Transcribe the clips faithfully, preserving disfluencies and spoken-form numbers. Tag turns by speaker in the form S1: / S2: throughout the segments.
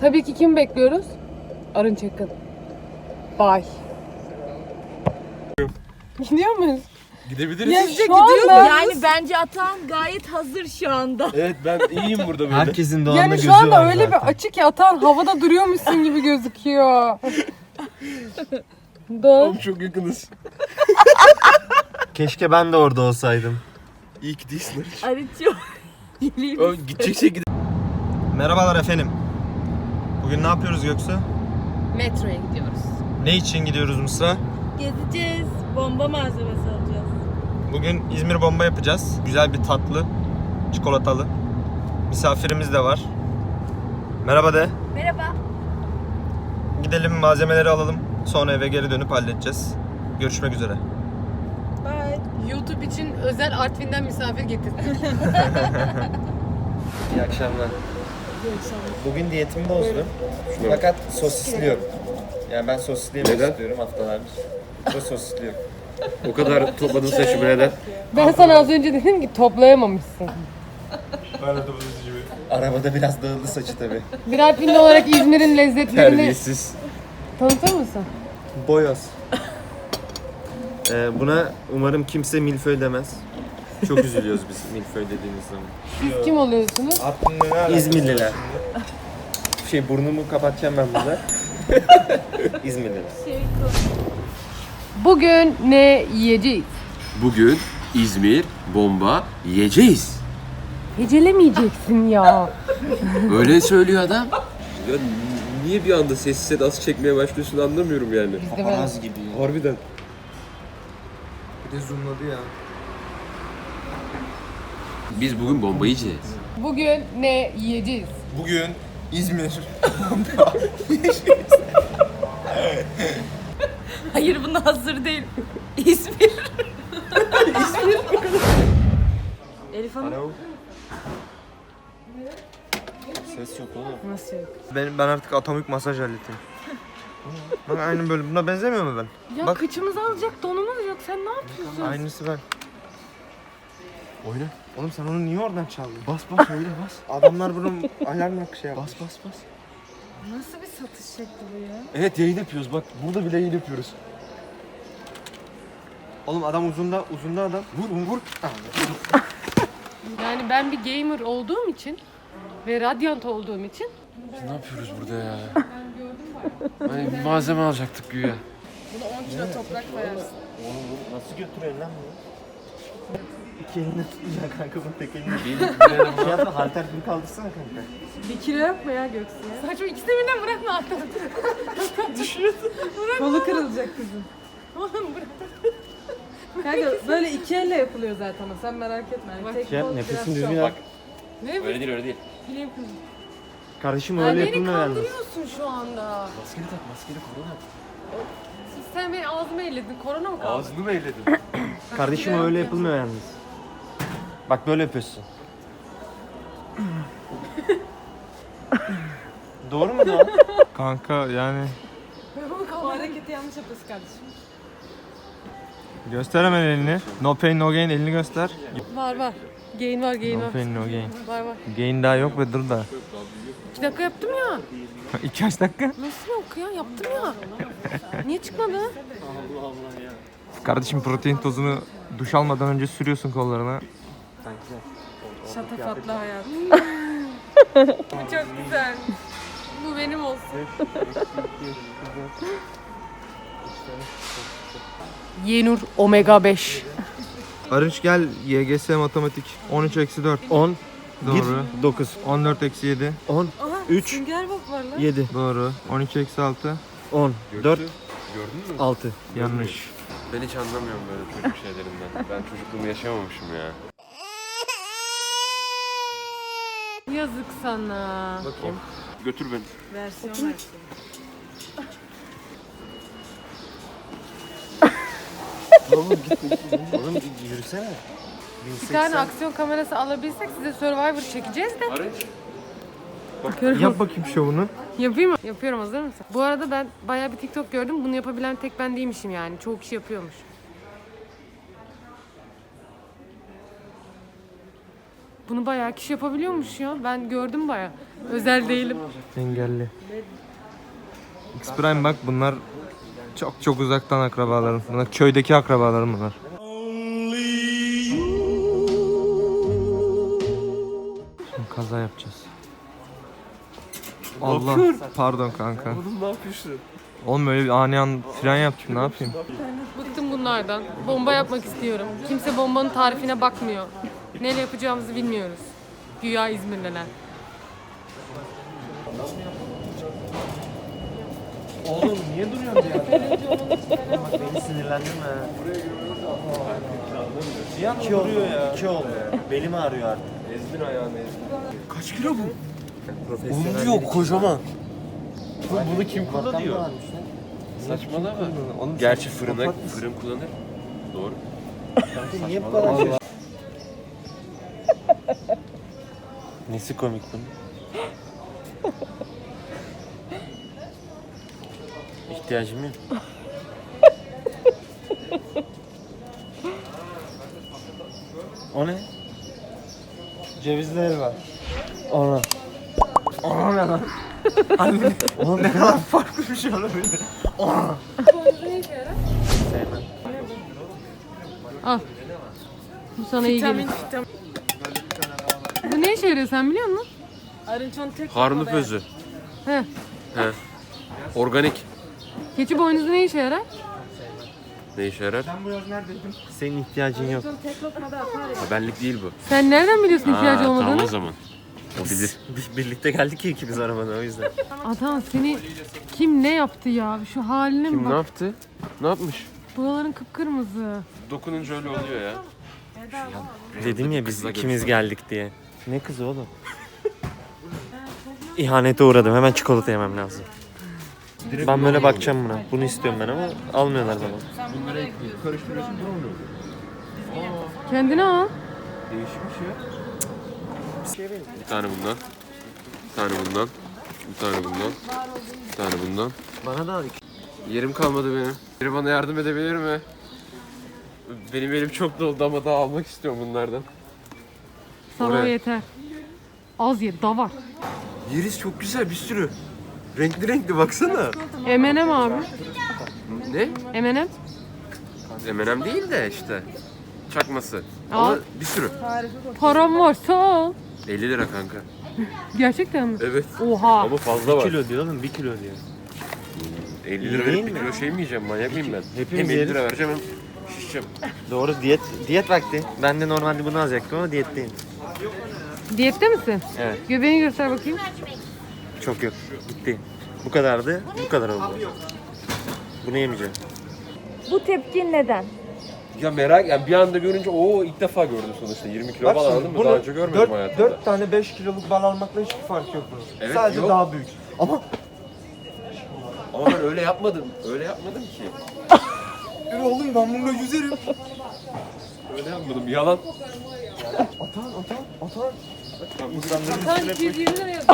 S1: Tabii ki kim bekliyoruz? Arınç Akın. Bye. Gidiyor muyuz?
S2: Gidebiliriz.
S1: Ya
S3: Sizce
S1: şu
S3: gidiyor
S1: anda-
S3: mu? Yani bence Atan gayet hazır şu anda.
S2: Evet ben iyiyim burada böyle.
S4: Herkesin doğanda
S1: Yani
S4: gözü
S1: şu anda
S4: var
S1: öyle
S4: zaten.
S1: bir açık ki Atan havada duruyormuşsun gibi gözüküyor. Dön.
S2: Oğlum çok yakınız.
S4: Keşke ben de orada olsaydım.
S2: İyi ki değilsin.
S3: Arıtıyor. Geleyim.
S2: Oğlum gidecekse gide.
S4: Merhabalar efendim. Bugün ne yapıyoruz Göksu?
S3: Metroya gidiyoruz.
S4: Ne için gidiyoruz Mısra?
S3: Gezeceğiz. Bomba malzemesi alacağız.
S4: Bugün İzmir bomba yapacağız. Güzel bir tatlı, çikolatalı. Misafirimiz de var. Merhaba de.
S3: Merhaba.
S4: Gidelim malzemeleri alalım. Sonra eve geri dönüp halledeceğiz. Görüşmek üzere.
S3: Bye.
S1: YouTube için özel Artvin'den misafir getirdim.
S4: İyi akşamlar. Bugün diyetimi bozdum. Fakat sosisliyorum. Yani ben sosisli yemek
S2: Neden?
S4: istiyorum haftalardır. Ve sosisliyorum.
S2: O kadar topladın saçımı neden?
S1: Ben sana az önce dedim ki toplayamamışsın.
S4: Arabada biraz dağıldı saçı tabii.
S1: Bir Artvinli olarak İzmir'in lezzetlerini
S2: Terbiyesiz.
S1: tanıtır mısın?
S4: Boyoz. Ee, buna umarım kimse milföy demez. Çok üzülüyoruz biz milföy dediğimiz zaman.
S1: Siz kim oluyorsunuz?
S4: İzmirliler. Şey burnumu kapatacağım ben burada. İzmirliler.
S1: Bugün ne yiyeceğiz?
S2: Bugün İzmir bomba yiyeceğiz.
S1: Hecelemeyeceksin ya.
S2: Öyle söylüyor adam. Ya niye bir anda sessiz sedası çekmeye başlıyorsun anlamıyorum yani.
S1: Bizde böyle.
S4: Paparaz gibi.
S2: Harbiden.
S4: Bir de zoomladı ya.
S2: Biz bugün bomba yiyeceğiz.
S1: Bugün ne yiyeceğiz?
S4: Bugün İzmir.
S3: Hayır buna hazır değil. İzmir. İzmir. Elif Hanım.
S4: Alo. Ses yok oğlum.
S1: Nasıl yok?
S4: Ben, ben artık atomik masaj aletim. Bak aynı böyle. Buna benzemiyor mu ben?
S1: Ya
S4: Bak.
S1: kıçımızı alacak donumuz yok. Sen ne yapıyorsun?
S4: Aynısı ben.
S2: Oyna.
S4: Oğlum sen onu niye oradan çaldın?
S2: Bas bas öyle bas.
S4: Adamlar bunun alarm hakkı şey yapmış.
S2: Bas bas bas.
S1: Nasıl bir satış şekli bu ya?
S2: Evet yayın yapıyoruz bak. Burada bile yayın yapıyoruz.
S4: Oğlum adam uzunda, uzunda adam.
S2: Vur vur vur.
S1: Yani ben bir gamer olduğum için ve radyant olduğum için
S2: Biz ne yapıyoruz burada ya? Hani bir malzeme alacaktık güya.
S1: buna on kilo toprak koyarsın.
S4: Oğlum nasıl götürüyorsun lan bunu? İki eline tutacaksın kanka bunu tek eline. Bir şey yapma halter gibi kaldırsana kanka.
S1: Bir kilo yapma ya Göksu ya. Saçma ikisini birden bırakma hatta. Düşüyorsun. Kolu kırılacak kızım. Oğlum bırak. Kanka böyle iki elle yapılıyor zaten o. Sen merak etme. Yani tek
S4: Şey yap
S1: kol
S4: nefesini
S1: biraz
S4: düzgün al.
S1: Ne bu?
S2: Öyle değil öyle değil.
S1: Bileğim kızım.
S4: Kardeşim
S1: Ya
S4: öyle
S1: beni
S4: yapılmıyor yalnız.
S1: kandırıyorsun şu anda.
S2: Maskeli tak maskeli korona.
S1: Sen beni ağzıma elledin. Korona mı kaldı?
S2: Ağzını mı elledin?
S4: Kardeşim öyle yapılmıyor yalnız. Bak böyle yapıyorsun. Doğru mu Doğan?
S5: Kanka yani
S1: Bu hareketi yanlış yapıyorsun kardeşim.
S5: göster hemen elini. No pain no gain elini göster.
S1: Var var. Gain var gain
S5: No
S1: var.
S5: pain no gain.
S1: Var var.
S5: Gain daha yok ve dur da.
S1: İki dakika yaptım ya.
S5: İki kaç dakika?
S1: Nasıl yok ya? Yaptım ya. Niye çıkmadı?
S5: Kardeşim protein tozunu duş almadan önce sürüyorsun kollarına.
S1: Şatafatlı hayat. Bu çok güzel. Bu benim olsun. Yenur omega beş.
S5: Arınç gel Y G S matematik. on üç eksi dört.
S4: on,
S5: Doğru.
S4: bir, dokuz,
S5: on dört eksi yedi.
S4: on, üç,
S1: Sünger Bob var lan.
S4: yedi,
S5: Doğru. on üç eksi altı.
S4: on, dört,
S2: Gördün mü?
S4: altı.
S5: Yanlış.
S2: Ben hiç anlamıyorum böyle çocuk şeylerinden. Ben çocukluğumu yaşamamışım ya.
S1: Yazık sana.
S2: Bakayım. Götür beni.
S3: Versiyon versiyon.
S4: Oğlum git. Oğlum yürüsene.
S1: Bir tane aksiyon kamerası alabilsek size Survivor çekeceğiz de.
S2: Arınç.
S4: Yap bakayım şovunu.
S1: Yapayım mı? Yapıyorum, hazır mısın? Bu arada ben bayağı bir TikTok gördüm. Bunu yapabilen tek ben değilmişim yani. Çoğu kişi yapıyormuş. Bunu bayağı kişi yapabiliyormuş ya. Ben gördüm bayağı. Özel değilim.
S5: Engelli. X-Prime bak bunlar çok çok uzaktan akrabalarım. Bunlar köydeki akrabalarım bunlar. Şimdi kaza yapacağız. Allah pardon kanka.
S2: Oğlum ne yapıyorsun?
S5: Oğlum öyle bir ani an fren yaptım ne yapayım?
S1: Bıktım bunlardan. Bomba yapmak istiyorum. Kimse bombanın tarifine bakmıyor. Neyle yapacağımızı bilmiyoruz. Güya İzmirliler.
S6: Oğlum niye duruyorsun ya? Bak beni sinirlendirme. Bir an iki oldu ya. İki oldu. Belim ağrıyor artık.
S2: Ezdin ayağını ezdin.
S6: Kaç kilo bu?
S2: Onu diyor kocaman.
S6: Bunu kim kullanıyor?
S2: Saçmalama. Gerçi fırına, fırın kullanır. Doğru.
S6: Kanka niye bu kadar şey? Nesi komik bunun? İhtiyacım yok. O ne?
S5: Cevizli helva.
S6: Ona. Ona ne lan? Anne. Oğlum ne kadar farklı bir şey olabilir. Ona. Sevmem.
S1: Al. Bu sana iyi gelir. Bu ne işe yarıyor sen biliyor musun?
S3: Arınçon tek
S2: Harnuf özü.
S1: He.
S2: He. Organik.
S1: Keçi boynuzu ne işe yarar?
S2: Ne işe yarar?
S6: Senin ihtiyacın yok.
S2: Ha, benlik değil bu.
S1: Sen nereden biliyorsun ihtiyacı
S2: Ha,
S1: olmadığını?
S2: tamam o zaman. O bilir.
S6: Biz birlikte geldik ya ikimiz arabada o yüzden.
S1: Adam seni kim ne yaptı ya? Şu haline mi
S2: Kim ne
S1: bak?
S2: yaptı? Ne yapmış?
S1: Buraların kıpkırmızı.
S2: Dokununca öyle oluyor ya.
S6: Dedim ya biz
S2: Kızla
S6: ikimiz geldik diye. Ne kızı oğlum? İhanete uğradım. Hemen çikolata yemem lazım. Ben böyle bakacağım buna. Bunu istiyorum ben ama almıyorlar bana.
S2: Bunları ekleyip karıştırıyorsun ne oluyor?
S1: Kendine al.
S2: Değişmiş ya. Bir tane bundan. Bir tane bundan. Bir tane bundan. Bir tane bundan.
S6: Bana da al.
S2: Yerim kalmadı benim. Biri bana yardım edebilir mi? Benim elim çok doldu ama daha almak istiyorum bunlardan.
S1: Sana o
S2: Oraya.
S1: yeter. Az ye, da var.
S2: Yeriz çok güzel bir sürü. Renkli renkli baksana.
S1: M and M abi.
S2: Ne?
S1: M and M.
S2: M and M değil de işte. Çakması.
S1: Al.
S2: Ama bir sürü.
S1: Param varsa al.
S2: elli lira kanka.
S1: Gerçekten mi?
S2: Evet.
S1: Oha.
S2: Ama fazla var.
S6: Kilo diyor oğlum, bir kilo diyor.
S2: elli lira
S6: Değil
S2: verip bir
S6: mi?
S2: kilo şey mi yiyeceğim? Manyak mıyım ben?
S6: Hepimiz
S2: hem elli
S6: yeriz.
S2: lira vereceğim hem şişeceğim.
S6: Doğru, diyet diyet vakti. Ben de normalde bunu alacaktım ama diyetteyim.
S1: Diyette misin?
S6: Evet.
S1: Göbeğini göster bakayım.
S6: Çok yok. Gitti. Bu kadardı. Bu kadar oldu. Bunu yemeyeceğim.
S3: Bu tepkin neden?
S2: Ya merak yani bir anda görünce o ilk defa gördüm sonuçta yirmi kilo falan anladın mı? Daha önce görmedim hayatımda.
S5: dört tane beş kiloluk bal almakla hiçbir fark yok bunun.
S2: Evet,
S5: Sadece
S2: yok.
S5: daha büyük. Ama
S2: Ama ben öyle yapmadım. Öyle yapmadım ki.
S5: yürü oğlum ben bununla yüzerim.
S2: Öyle yapmadım. Yalan.
S5: Atan atan atan.
S1: Sen iki yüz yirmi lira yazıyor.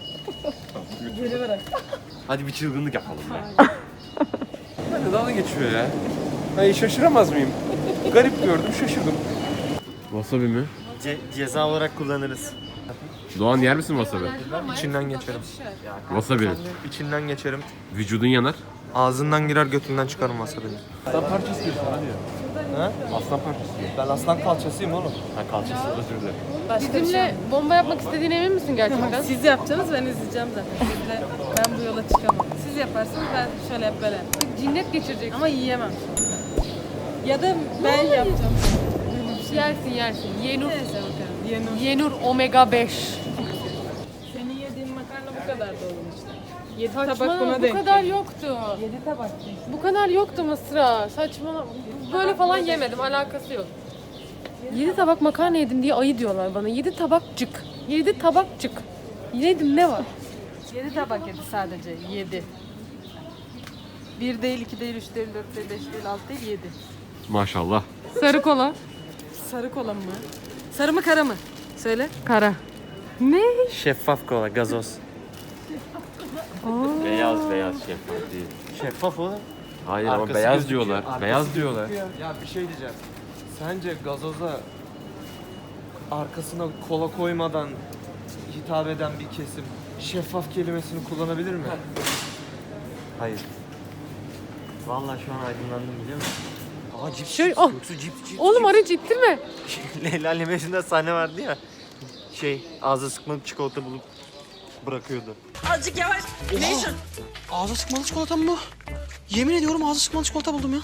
S2: Hadi bir çılgınlık yapalım ya. Ben de dalga geçiyor ya. Hayır şaşıramaz mıyım? Garip gördüm şaşırdım. Wasabi mi?
S6: Ce- ceza olarak kullanırız.
S2: Doğan yer misin wasabi?
S5: İçinden geçerim.
S2: Wasabi.
S5: İçinden geçerim.
S2: Vücudun yanar.
S5: Ağzından girer götünden çıkarım wasabi'ni.
S2: Aslan parçası diyorsun hadi ya.
S5: Ha?
S2: Aslan parçası diyor.
S5: Ben aslan kalçasıyım oğlum.
S2: Ha kalçası özür dilerim.
S1: Bizimle bomba yapmak istediğine emin misin gerçekten?
S3: Siz yapacaksınız, ben izleyeceğim zaten. Sizle ben bu yola çıkamam. Siz yaparsınız, ben şöyle yap böyle yap.
S1: Cinnet geçirecek.
S3: Ama yiyemem. Ya da ben yapacağım.
S1: Yersin yersin. Yenur.
S3: Neyse bakalım. Yenur.
S1: Yenur omega beş.
S3: Senin yediğin makarna bu kadar da olur işte. Yedi tabak
S1: Saçmalama
S3: buna
S1: bu
S3: denk.
S1: kadar yoktu.
S3: Yedi tabak.
S1: Bu kadar yoktu Mısra. Saçmalama. Böyle falan yemedim. Alakası yok. Yedi tabak makarna yedim diye ayı diyorlar bana. Yedi tabakcık. Yedi tabakcık. Yedim ne var?
S3: Yedi tabak yedi sadece. Yedi. Bir değil, iki değil, üç değil, dört değil, beş değil, altı değil, yedi.
S2: Maşallah.
S1: Sarı kola.
S3: Sarı kola mı? Sarı mı kara mı? Söyle.
S1: Kara. Ne?
S6: Şeffaf kola, gazoz.
S2: Beyaz beyaz şeffaf değil.
S6: Şeffaf oğlum.
S2: Hayır ama
S6: Arkası
S2: beyaz
S6: gözüküyor,
S2: diyorlar. Beyaz diyorlar.
S5: Ya bir şey diyeceğim. Sence gazoza arkasına kola koymadan hitap eden bir kesim şeffaf kelimesini kullanabilir mi?
S6: Hayır. Vallahi şu an aydınlandım biliyor musun? Aa cips.
S3: Şöyle-
S6: cips.
S3: oh.
S6: Yoksa cips cips.
S3: Oğlum aracı ittirme.
S6: Leyla ile Mecnun'da sahne vardı ya. Şey ağza sıkmalık çikolata bulup bırakıyordu.
S7: Azıcık yavaş. Neyse.
S8: Ağza sıkmalı çikolata mı bu? Yemin ediyorum ağza sıkmalı çikolata buldum ya.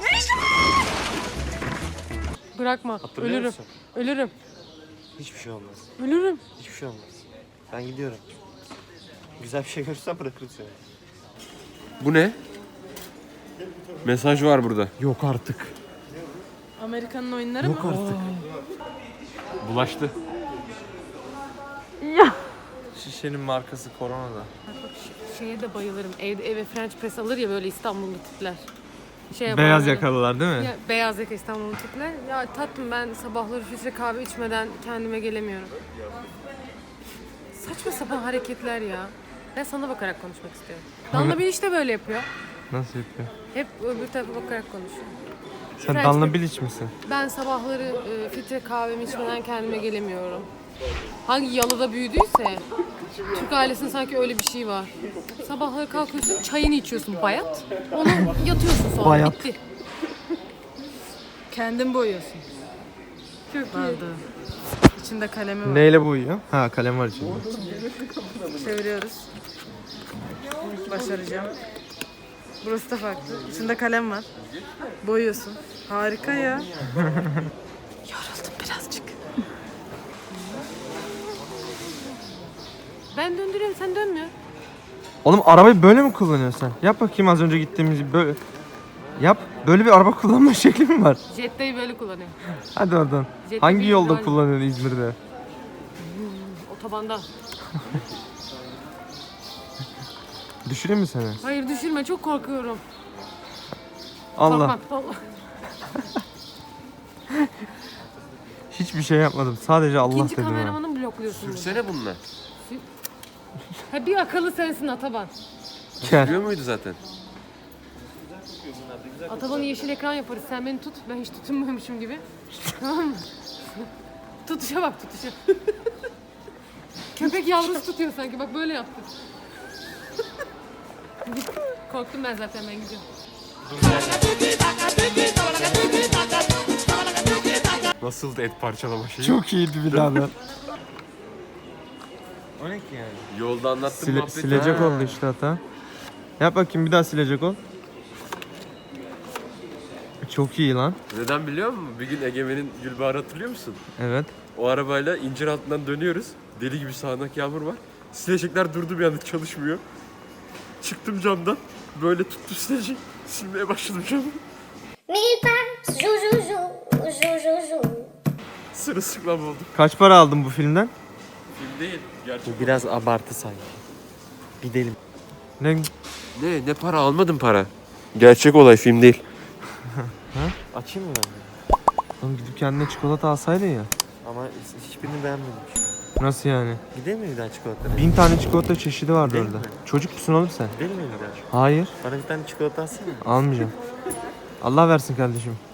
S3: Bırakma.
S6: Hatırlıyor
S3: Ölürüm.
S6: musun?
S3: Ölürüm.
S6: Hiçbir şey olmaz.
S3: Ölürüm.
S6: Hiçbir şey olmaz. Ben gidiyorum. Güzel bir şey görürsen bırakırım seni.
S2: Bu ne? Mesaj var burada.
S5: Yok artık.
S3: Amerika'nın oyunları mı?
S2: Bulaştı.
S5: Şişenin markası Corona'da.
S3: Şeye de bayılırım. Evde eve French press alır ya böyle İstanbullu tipler. Şey
S5: Beyaz
S3: yaparlar.
S5: yakalılar değil mi?
S3: Ya, beyaz yaka İstanbullu tipler. Ya tatlım ben sabahları filtre kahve içmeden kendime gelemiyorum. Saçma sapan hareketler ya. Ben sana bakarak konuşmak istiyorum. Danla bir işte böyle yapıyor.
S5: Nasıl yapıyor?
S3: Hep öbür tarafa bakarak konuşuyor.
S5: Sen
S3: French
S5: Danla
S3: press-
S5: Bilic misin?
S3: Ben sabahları e, filtre kahvemi içmeden kendime gelemiyorum. Hangi yalıda büyüdüyse Türk ailesinde sanki öyle bir şey var. Sabahları kalkıyorsun, çayını içiyorsun bayat. Onu yatıyorsun sonra.
S5: Bayat.
S3: Bitti.
S1: Kendin boyuyorsun. Çok iyi. İçinde kalemi var.
S5: Neyle boyuyor? Ha kalem var içinde.
S1: Çeviriyoruz. Başaracağım. Burası da farklı. İçinde kalem var. Boyuyorsun. Harika ya. Yoruldum birazcık.
S3: Ben döndürüyorum, sen dönmüyor.
S5: Oğlum arabayı böyle mi kullanıyorsun sen? Yap bakayım az önce gittiğimiz gibi böyle. Yap. Böyle bir araba kullanma şekli mi var?
S3: Jetta'yı böyle kullanıyor.
S5: Hadi oradan.
S3: Jetta
S5: Hangi
S3: bir
S5: yolda
S3: güzel-
S5: kullanıyorsun İzmir'de?
S3: Otobanda.
S5: Düşüreyim mi seni?
S3: Hayır düşürme, çok korkuyorum.
S5: Allah.
S3: Korkma, Allah.
S5: Hiçbir şey yapmadım. Sadece Allah
S3: İkinci
S5: dedim ha.
S3: kameramanı mı blokluyorsun burada?
S2: Sürsene bununla.
S3: Ha, bir akıllı sensin Ataban.
S5: Gel.
S2: Sürüyor muydu zaten?
S3: Ataban'ı yeşil ekran yaparız. Sen beni tut. Ben hiç tutunmuyormuşum gibi. Tamam mı? Tutuşa bak tutuşa. Köpek yavrusu tutuyor sanki. Bak böyle yaptı. Korktum ben zaten, ben gidiyorum.
S2: Nasıldı et parçalama şeyi?
S5: Çok iyiydi birader.
S6: O ne ki yani?
S2: Yolda anlattım
S5: Sile-
S2: muhabbeti.
S5: silecek
S2: Ha.
S5: oldu işte hata. Yap bakayım bir daha silecek ol. Çok iyi lan.
S2: Neden biliyor musun? Bir gün Egemen'in Gülbahar'ı hatırlıyor musun?
S5: Evet.
S2: O arabayla incir altından dönüyoruz. Deli gibi sağanak yağmur var. Silecekler durdu bir anda, çalışmıyor. Çıktım camdan. Böyle tuttum sileceği. Silmeye başladım camı.
S9: Mi pa, ju ju ju, ju ju ju.
S2: Sırılsıklam oldum.
S5: Kaç para aldın bu filmden?
S2: Film değil. Gerçek.
S6: Bu biraz abartı sanki. Gidelim.
S5: Ne?
S2: Ne? Ne para? Almadım para. Gerçek olay, film değil.
S6: Açayım mı ben de?
S5: Oğlum gidip kendine çikolata alsaydın ya.
S6: Ama hiçbirini beğenmedim.
S5: Nasıl yani?
S6: Gidelim mi bir daha çikolataya?
S5: Bin tane çikolata çeşidi vardı
S6: Değil
S5: orada.
S6: mi?
S5: Çocuk musun oğlum sen?
S6: Gidelim mi bir daha?
S5: Hayır.
S6: Bana bir tane çikolata alsana.
S5: Almayacağım. Allah versin kardeşim.